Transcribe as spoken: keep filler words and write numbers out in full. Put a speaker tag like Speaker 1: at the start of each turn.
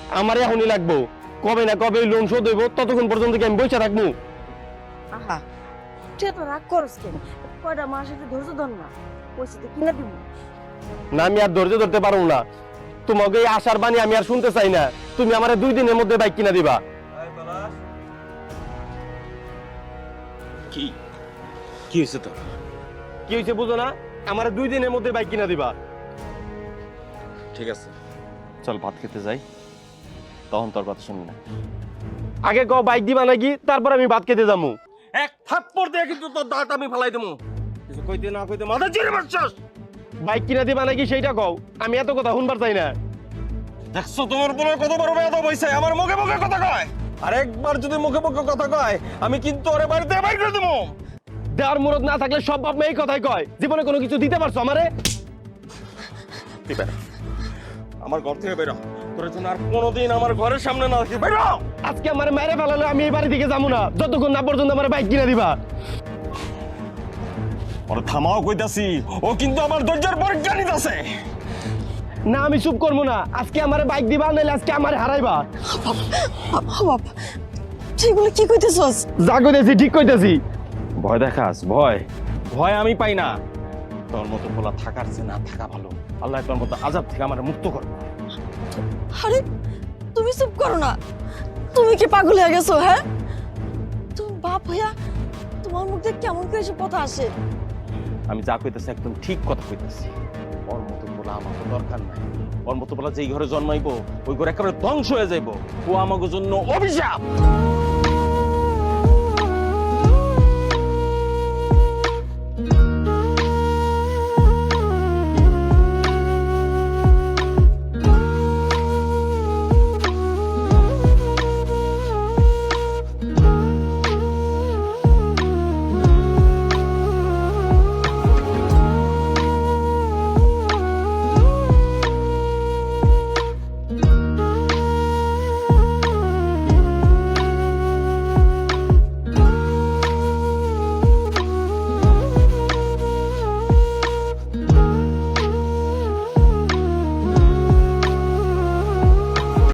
Speaker 1: আমার এখনই লাগবো। কবে না কবে লোন শোধ হইব, ততক্ষণ পর্যন্ত কি আমি বসে থাকবো?
Speaker 2: আহা তুই তো রাগ করস কেন? কয়টা মাস একটু ধৈর্য ধর না, পয়সা তো কিনে দিব।
Speaker 1: না, আমি আর ধৈর্য ধরতে পারবো না। তোমাকে এই আশার বাণী আমি আর শুনতে চাই না। তুমি আমার দুই দিনের মধ্যে বাইক কিনা দিবা।
Speaker 3: কি কি হয়েছে তোর?
Speaker 1: কি হয়েছে বুঝো না? আমার দুই দিনের মধ্যে বাইক কিনা দিবা।
Speaker 3: ঠিক আছে, চল ভাত খেতে যাই, তখন তোর কথা শুনবি না।
Speaker 1: আগে ক বাইক দিবা নাকি, তারপর আমি ভাত খেতে যাবো।
Speaker 3: এক থাপ্পড় দিয়ে কিন্তু তোর দাঁত আমি ফেলাই দেবো। কিছু কইতে না কইতে মাথা চিড়ে মারছস।
Speaker 1: বাইক কিনা দিবা নাকি সেইটা কও, আমি এত কথা শুনবার চাই না।
Speaker 3: দেখছো তোমার বলার কত বড় বেয়াদব হইছে, আমার মুখে মুখে কথা কয়। আর একবার যদি মুখে মুখে কথা কয়, আমি কিন্তু ওরে বাড়িতে বাইর করে দেবো।
Speaker 1: দেওয়ার মুরত না থাকলে সব বাপ মেয়ে এই কথাই কয়। জীবনে কোনো কিছু দিতে পারছো আমারে?
Speaker 3: তুই বেরো, আমার ঘর থেকে বেরো। তোর জন্য আর কোনোদিন আমার ঘরের সামনে না আসি। বেরো।
Speaker 1: আজকে আমারে মাইরে ফেলালে আমি এই বাড়ি থেকে যাবো না, যতক্ষণ না পর্যন্ত আমার বাইক কিনা দিবা।
Speaker 3: ওরে থামাও কইতাছি, ও কিন্তু আমার ধৈর্যের পরীক্ষা নিতেছে।
Speaker 1: না, আমি চুপ করবো না। আজকে আমারে বাইক দিবা, নাহলে আজকে আমারে হারাইবা।
Speaker 2: বাপ তুই বলে কি কইতেছস?
Speaker 1: যা কইতেছি ঠিক কইতেছি।
Speaker 3: ভয় দেখাস? ভয় ভয় আমি পাই না। তোর মতো বলা থাকার চেয়ে না থাকা ভালো। আল্লাহ তোর মতো আযাব থেকে আমার মুক্ত করবে।
Speaker 2: আরে তুমি চুপ করো না, তুমি কি পাগল হয়ে গেছো? হ্যাঁ, তুমি বাপ হইয়া তোমার মুখ দিয়ে কেমন করে এসব কথা আসে?
Speaker 3: আমি যা কইতেছি একদম ঠিক কথা কইতেছি। ওর মতো বলা আমার তো দরকার নাই। ওর মতো বলা যেই ঘরে জন্মাইবো ওই ঘরে একেবারে ধ্বংস হয়ে যাইবো। ও আমাকে জন্য অভিশাপ।